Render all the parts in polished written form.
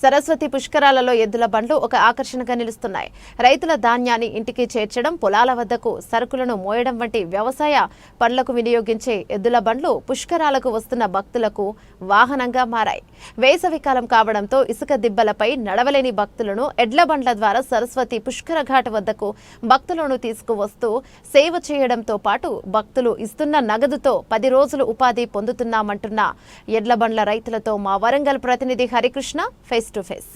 సరస్వతి పుష్కరాలలో ఎద్దుల బండ్లు ఒక ఆకర్షణగా నిలుస్తున్నాయి. రైతుల ధాన్యాన్ని ఇంటికి చేర్చడం, పొలాల వద్దకు సరుకులను మోయడం వంటి వ్యవసాయ పనులకు వినియోగించే ఎద్దుల బండ్లు పుష్కరాలకు వస్తున్న భక్తులకు వాహనంగా మారాయి. వేసవికాలం కావడంతో ఇసుక దిబ్బలపై నడవలేని భక్తులను ఎడ్ల బండ్ల ద్వారా సరస్వతి పుష్కర ఘాట్ వద్దకు భక్తులను తీసుకువస్తూ సేవ చేయడంతో పాటు భక్తులు ఇస్తున్న నగదుతో 10 రోజులు ఉపాధి పొందుతున్నామంటున్న ఎడ్ల బండ్ల రైతులతో మా వరంగల్ ప్రతినిధి Harikrishna face to face.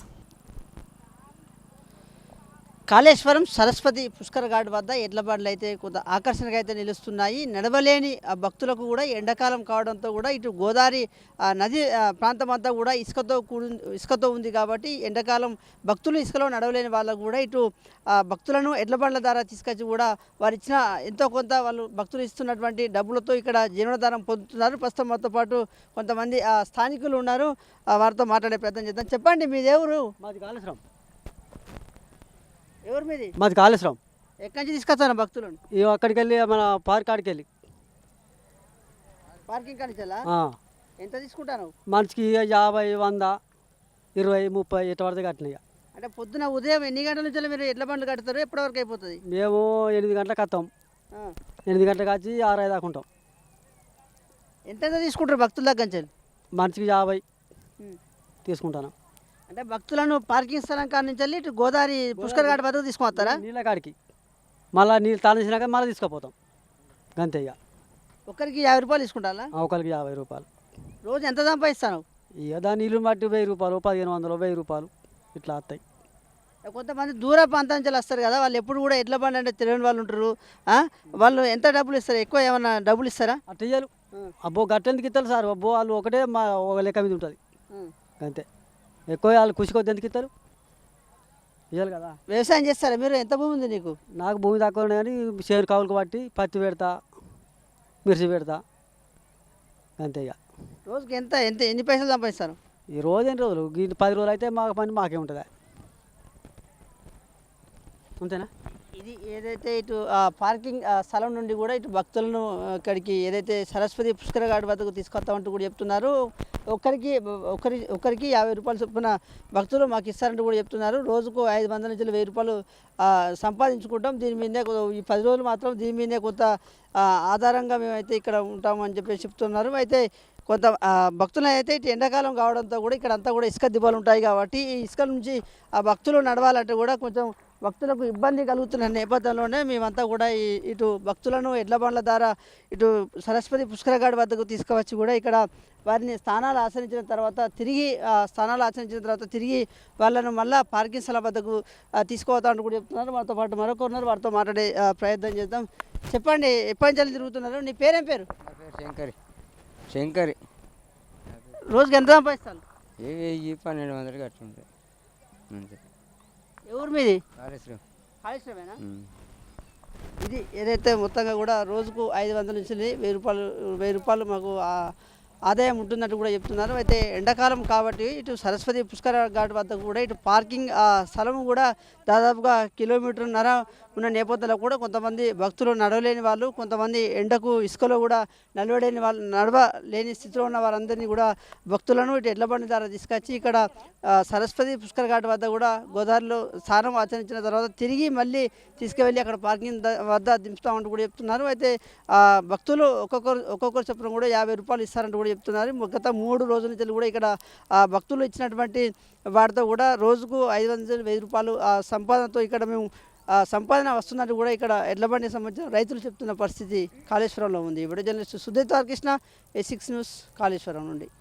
Kaleshwaram Saraswati Pushkara ghat వద్ద ఎడ్ల బండ్లు అయితే కొంత ఆకర్షణగా అయితే నిలుస్తున్నాయి. నడవలేని భక్తులకు కూడా ఎండాకాలం కావడంతో కూడా ఇటు గోదావరి నది ప్రాంతం అంతా కూడా ఇసుకతో ఉంది కాబట్టి ఎండాకాలం భక్తులు ఇసుకలో నడవలేని వాళ్ళకు కూడా ఇటు భక్తులను ఎడ్ల బండ్ల ద్వారా తీసుకొచ్చి కూడా వారు ఇచ్చిన ఎంతో కొంత వాళ్ళు భక్తులు ఇస్తున్నటువంటి డబ్బులతో ఇక్కడ జీవనాధారం పొందుతున్నారు. ప్రస్తుతం మాతో పాటు కొంతమంది స్థానికులు ఉన్నారు, వారితో మాట్లాడే ప్రయత్నం చేద్దాం. చెప్పండి, మీది ఎవరు? మాది కాళేశ్వరం. ఎవరు మీది? మాది కాళేశ్వరం. ఎక్కడి నుంచి తీసుకొస్తాను భక్తులను? అక్కడికి వెళ్ళి మన పార్క్ కాడికి వెళ్ళి పార్కింగ్ కానీ ఎంత తీసుకుంటాను? మనిషికి 50, 100, 20, 30 ఎట్ట పడితే కట్టినాయి. అంటే పొద్దున ఉదయం ఎన్ని గంటల నుంచి మీరు ఎడ్ల బండ్లు కడతారు? ఎప్పటి వరకు అయిపోతుంది? మేము 8 గంటలకు వస్తాం. 8 గంటలకు వచ్చి 6 దాకా ఉంటాం. ఎంత తీసుకుంటారు భక్తుల దగ్గర నుంచి? మనిషికి 50 తీసుకుంటాను. అంటే భక్తులను పార్కింగ్ స్థలం కాడి నుంచి వెళ్ళి ఇటు గోదావరి పుష్కర ఘాట్ వద్దకు తీసుకుపోతారా? నీళ్ళ కాడికి మళ్ళీ నీళ్ళు తానేసినాక మళ్ళీ తీసుకుపోతాం. గంతే. ఇక ఒకరికి 50 రూపాయలు తీసుకుంటారా? ఒకరికి 50 రూపాయలు. రోజు ఎంత సంపాదిస్తాను? ఇక దాని నీళ్ళు బట్టి 1000 రూపాయలు, 1500, 1000 రూపాయలు ఇట్లా వస్తాయి. కొంతమంది దూర ప్రాంతం నుంచి వస్తారు కదా, వాళ్ళు ఎప్పుడు కూడా ఎడ్ల బండి అంటే తెలియని వాళ్ళు ఉంటారు. వాళ్ళు ఎంత డబ్బులు ఇస్తారు? ఎక్కువ ఏమన్నా డబ్బులు ఇస్తారా? అట్ట ఇయ్యాలి. అబ్బో గట్టెందుకు ఇస్తారు సార్? అబ్బో వాళ్ళు ఒకటే మా ఒక లెక్క మీద ఉంటుంది అంతే. ఎక్కువ వాళ్ళు కుషికొద్ది ఎందుకు ఇస్తారు? ఇవ్వాలి కదా. వ్యవసాయం చేస్తారా మీరు? ఎంత భూమి ఉంది నీకు? నాకు భూమి తక్కువ ఉన్నాయి కానీ చేను కావులకు బట్టి పత్తి పెడతా, మిర్చి పెడతా అంతే. ఇక రోజుకి ఎంత ఎంత ఎన్ని పైసలు సంపాదిస్తారు? ఈ రోజు ఎన్ని రోజులు? 10 రోజులు అయితే మా పని మాకే ఉంటుందా? అంతేనా? ఇది ఏదైతే ఇటు పార్కింగ్ స్థలం నుండి కూడా ఇటు భక్తులను ఇక్కడికి ఏదైతే సరస్వతి పుష్కర ఘాట్ వద్దకు తీసుకొస్తామంటూ కూడా చెప్తున్నారు. ఒకరికి 50 రూపాయలు చొప్పున భక్తులు మాకు ఇస్తారంటూ కూడా చెప్తున్నారు. రోజుకు 500 నుంచి 1000 రూపాయలు సంపాదించుకుంటాం. దీని మీదే ఈ 10 రోజులు మాత్రం దీని మీదే కొంత ఆధారంగా మేమైతే ఇక్కడ ఉంటామని చెప్పేసి చెప్తున్నారు. అయితే కొంత భక్తులు అయితే ఇటు ఎండాకాలం కావడంతో కూడా ఇక్కడ అంతా కూడా ఇసుక దిబ్బలు ఉంటాయి కాబట్టి ఈ ఇసుక నుంచి ఆ భక్తులు నడవాలంటే కూడా కొంచెం భక్తులకు ఇబ్బంది కలుగుతున్న నేపథ్యంలోనే మేమంతా కూడా ఇటు భక్తులను ఎడ్ల బండ్ల ద్వారా ఇటు సరస్వతి పుష్కర ఘాట్ వద్దకు తీసుకువచ్చి కూడా ఇక్కడ వారిని స్థానాలు ఆచరించిన తర్వాత తిరిగి వాళ్ళను మళ్ళీ పార్కింగ్ స్థలం వద్దకు తీసుకుపోతామని కూడా చెప్తున్నారు. వారితో పాటు మరొకరున్నారు, వారితో మాట్లాడే ప్రయత్నం చేద్దాం. చెప్పండి, ఎప్పటి నుంచి తిరుగుతున్నారు? నీ పేరేం పేరు? శంకరి. రోజుకి ఎంత సంపాదిస్తాను? 1200 కట్టుంటాయి అంతే. ఎవరు మీది? కాళేశ్వరమేనా? ఇది ఏదైతే మొత్తంగా కూడా రోజుకు 500 నుంచి 1000 రూపాయలు మాకు ఆదాయం ఉంటున్నట్టు కూడా చెప్తున్నారు. అయితే ఎండాకాలం కాబట్టి ఇటు సరస్వతి పుష్కర ఘాట్ వద్ద కూడా ఇటు పార్కింగ్ స్థలం కూడా దాదాపుగా 1.5 కిలోమీటర్ల ఉన్న నేపథ్యంలో కూడా కొంతమంది భక్తులు నడవలేని వాళ్ళు, కొంతమంది ఎండకు ఇసుకలో కూడా నడవలేని స్థితిలో ఉన్న వారందరినీ కూడా భక్తులను ఇటు ఎడ్ల బండి ద్వారా తీసుకొచ్చి ఇక్కడ సరస్వతి పుష్కర ఘాట్ వద్ద కూడా గోదావరిలో స్నానం ఆచరించిన తర్వాత తిరిగి మళ్ళీ తీసుకువెళ్ళి అక్కడ పార్కింగ్ వద్ద దింపుతామంటూ కూడా చెప్తున్నారు. అయితే భక్తులు ఒక్కొక్కరు చొప్పున కూడా 50 రూపాయలు ఇస్తారంటూ కూడా చెప్తున్నారు. గత 3 రోజుల నుంచి కూడా ఇక్కడ భక్తులు ఇచ్చినటువంటి వాటితో కూడా రోజుకు 500 నుంచి 1000 రూపాయలు సంపాదనతో ఇక్కడ మేము సంపాదన వస్తున్నట్టు కూడా ఇక్కడ ఎడ్ల బండికి సంబంధించిన రైతులు చెప్తున్న పరిస్థితి కాళేశ్వరంలో ఉంది. Video journalist Sudheer Krishna, A6 news, Kaleshwaram నుండి.